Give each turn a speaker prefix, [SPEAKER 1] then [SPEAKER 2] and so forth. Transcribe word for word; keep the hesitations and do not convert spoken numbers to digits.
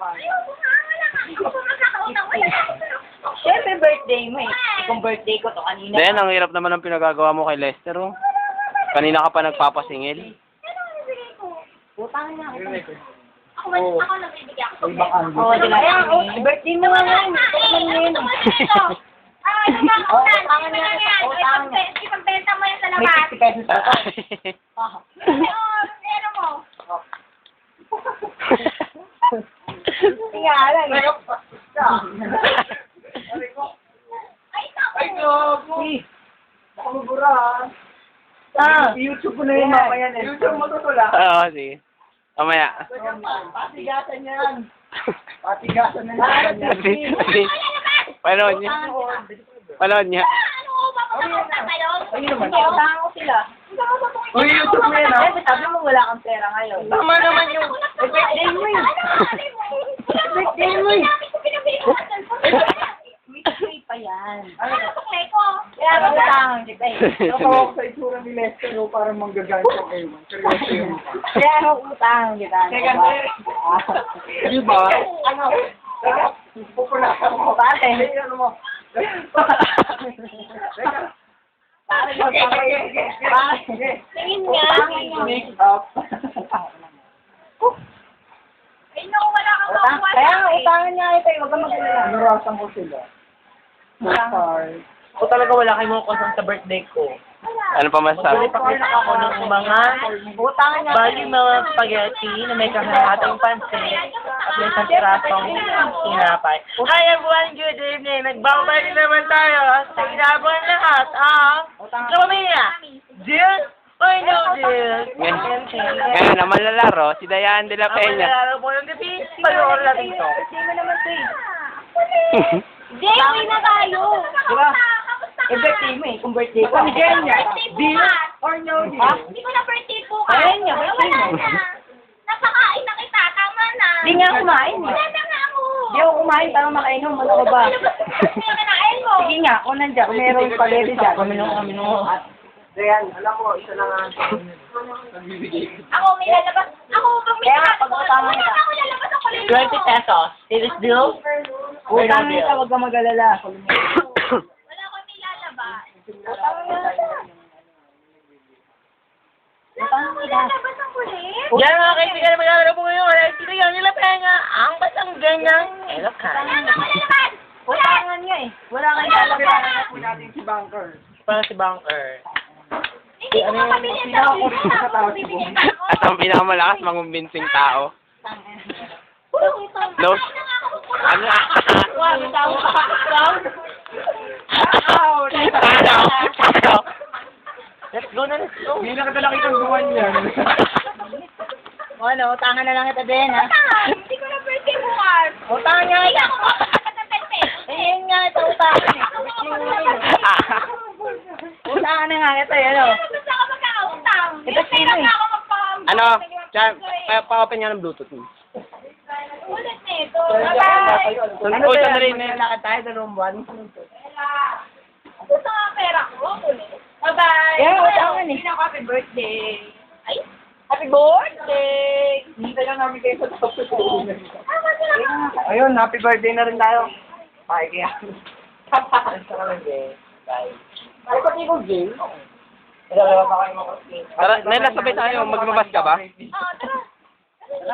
[SPEAKER 1] Ayoko nga, wala nga. Ikaw pa magkakautang. Wala nga ako.
[SPEAKER 2] Siyempre birthday mo eh. Kung birthday ko to kanina.
[SPEAKER 3] Then, ang hirap naman ng pinagagawa mo kay Lester, oh. Kanina ka pa nagpapasingil.
[SPEAKER 1] Ano ang bibigay ko?
[SPEAKER 2] Utang na ako.
[SPEAKER 1] Ako man, ako nagbibigay ako.
[SPEAKER 2] Oo, di ba? Birthday mo nga yan.
[SPEAKER 1] Utang mo Ah, yung mga
[SPEAKER 2] Oo,
[SPEAKER 1] utan.
[SPEAKER 2] utangan
[SPEAKER 1] Hindi
[SPEAKER 2] niya.
[SPEAKER 1] mo na yan.
[SPEAKER 2] Utangan niya.
[SPEAKER 1] Ipag- Ipagbenta mo yan sa
[SPEAKER 2] May
[SPEAKER 1] labas.
[SPEAKER 2] fifty pesos pa. Ah.
[SPEAKER 1] Kasi, oh, ano mo?
[SPEAKER 2] Nga lang eh.
[SPEAKER 1] Ay, naku.
[SPEAKER 4] Ay, gago! Baka mabura, ha?
[SPEAKER 2] Ah.
[SPEAKER 4] YouTube ko na yun, mamaya na. YouTube mo tutula.
[SPEAKER 3] Oo, sige. Mamaya.
[SPEAKER 4] Patigasan yan. Patigasan na yan.
[SPEAKER 3] Kasi, kasi, panood niya. Panood niya.
[SPEAKER 1] Ano ko ba magkakautang tayo?
[SPEAKER 4] Ayun naman.
[SPEAKER 2] Hindi, utangan ko sila.
[SPEAKER 4] Uy, YouTube mo yan, ha?
[SPEAKER 2] Eh, sabi mo wala kang pera ngayon.
[SPEAKER 4] Tama naman yung...
[SPEAKER 2] Eh, birthday mo eh.
[SPEAKER 1] Birthday mo eh.
[SPEAKER 2] Birthday pa yan.
[SPEAKER 1] Ano suklay ko?
[SPEAKER 2] Kaya utangan kita eh.
[SPEAKER 4] Nakawak sa itsura ni Lester, no? Parang manggaganto kayo. Seryoso yun.
[SPEAKER 2] Kaya utangan kita.
[SPEAKER 4] Teka, di ba?
[SPEAKER 2] Ano?
[SPEAKER 4] Pupulasan mo.
[SPEAKER 2] Pate.
[SPEAKER 4] Ay, ano mo? Teka.
[SPEAKER 2] Pare,
[SPEAKER 4] Okay, okay, okay.
[SPEAKER 2] Pare.
[SPEAKER 1] Tingin nga.
[SPEAKER 4] Make up.
[SPEAKER 1] Ay, naku, wala kang
[SPEAKER 2] Utang.
[SPEAKER 1] makuha
[SPEAKER 2] Kaya
[SPEAKER 1] sa
[SPEAKER 2] nga,
[SPEAKER 1] akin.
[SPEAKER 2] utangan niya ito eh. Huwag kang mag-alala.
[SPEAKER 4] Narasan ko sila. Sorry.
[SPEAKER 5] Ako talaga wala kayong mga kasang sa birthday ko.
[SPEAKER 3] Ano pa masasabi?
[SPEAKER 5] Pakita ako ng mga
[SPEAKER 2] Utangan niya.
[SPEAKER 5] bali mga spaghetti na may kakahatang pansit at may isang pirasong sinapay. Hi everyone, good evening. Nagbabalik naman tayo sa inabang lahat ang Romania. Deal or no deal?
[SPEAKER 3] Ngayon, ngayon na malalaro, si Dayan de la
[SPEAKER 5] Ang
[SPEAKER 3] Peña.
[SPEAKER 5] malalaro po ng gabi, panoorin natin to.
[SPEAKER 2] Birthday mo naman to eh.
[SPEAKER 1] Jay, uwi na tayo.
[SPEAKER 2] Diba?
[SPEAKER 1] Kamusta ka?
[SPEAKER 2] Eh, birthday mo eh. Kung birthday ko.
[SPEAKER 1] Hindi ko na birthday
[SPEAKER 4] Deal
[SPEAKER 1] bukas.
[SPEAKER 4] or no
[SPEAKER 2] Ha?
[SPEAKER 4] deal?
[SPEAKER 1] Hindi ko na birthday bukas.
[SPEAKER 2] Ayun nga, birthday
[SPEAKER 1] Wala
[SPEAKER 2] mo.
[SPEAKER 1] na. Napakain na kita. Tama na.
[SPEAKER 2] Di nga kumain eh.
[SPEAKER 1] Wala na nga ako.
[SPEAKER 2] Di ako kumain para makainom. Ano ka ba?
[SPEAKER 1] Ano ba yung kinain mo?
[SPEAKER 2] Sige nga, kung nandiyan, kung meron spaghetti dyan. Kami nung kami nung.
[SPEAKER 4] Dayan, alam mo, isa lang ang nagbibigay.
[SPEAKER 1] Ako may lalabas. Ako pag may
[SPEAKER 2] Kaya nga,
[SPEAKER 1] lalabas.
[SPEAKER 2] pag-utangan
[SPEAKER 1] Wala
[SPEAKER 2] kita.
[SPEAKER 1] na ako lalabas ang kulay.
[SPEAKER 5] twenty pesos. Is deal?
[SPEAKER 2] Utang nito, huwag kang mag-alala.
[SPEAKER 1] Wala ko may lalabas.
[SPEAKER 2] Utang nito.
[SPEAKER 1] Wala ko may lalabas ang kulit.
[SPEAKER 5] Yan mga kaibigan na maglalaro po ngayon. Wala sila yan nila penga. Ang batang ganyang elokan.
[SPEAKER 1] Wala na ako lalabas.
[SPEAKER 2] Utangan niya eh. Wala kang lalabas.
[SPEAKER 4] po natin si Banker.
[SPEAKER 5] Parang si Bunker.
[SPEAKER 1] Hindi ko makabili ang sarili ko. Tapos bibigyan pa ako.
[SPEAKER 3] At ang pinakamalakas mangumbinting tao. No. Ano?
[SPEAKER 2] Wow, ikaw. Ikaw.
[SPEAKER 3] Ano? Ano?
[SPEAKER 5] Let's go na, let's go.
[SPEAKER 4] Hindi na kita nakitang guwan yan.
[SPEAKER 2] O ano, utangan na lang kita din ha.
[SPEAKER 1] Hindi ko na birthday bukas.
[SPEAKER 2] Utangan niya
[SPEAKER 1] Hindi
[SPEAKER 2] kita.
[SPEAKER 1] ako makakapag ng birthday.
[SPEAKER 2] Ayun nga, ito utangan eh.
[SPEAKER 1] Ako makakapag.
[SPEAKER 2] Utangan na nga kita eh, ano.
[SPEAKER 1] Basta ako magkakautang.
[SPEAKER 2] Ito
[SPEAKER 1] May pera
[SPEAKER 2] sino eh?
[SPEAKER 1] na ako magpam.
[SPEAKER 3] Ano? Diyan, pa- pa-open nga ng Bluetooth mo.
[SPEAKER 1] Ulit na ito. Bye-bye.
[SPEAKER 2] Ano
[SPEAKER 3] Uy,
[SPEAKER 2] ba
[SPEAKER 3] sandali
[SPEAKER 2] yan?
[SPEAKER 3] na yun.
[SPEAKER 2] Lakad tayo, dalawang buwan.
[SPEAKER 1] Gusto nga pera ko. Bye-bye.
[SPEAKER 2] Yeah, utangan eh.
[SPEAKER 1] Hindi na ako happy birthday. Ay,
[SPEAKER 2] Happy birthday!
[SPEAKER 4] Hindi lang namin kayo sa tapos sa ulan.
[SPEAKER 1] tama sila ka.
[SPEAKER 4] Ayun, happy birthday na rin tayo. Bye, kaya. Ay, pati ko, Jay.
[SPEAKER 3] Tara, Nela, sabay tayo. Maglabas ka ba?
[SPEAKER 1] Oo, tara.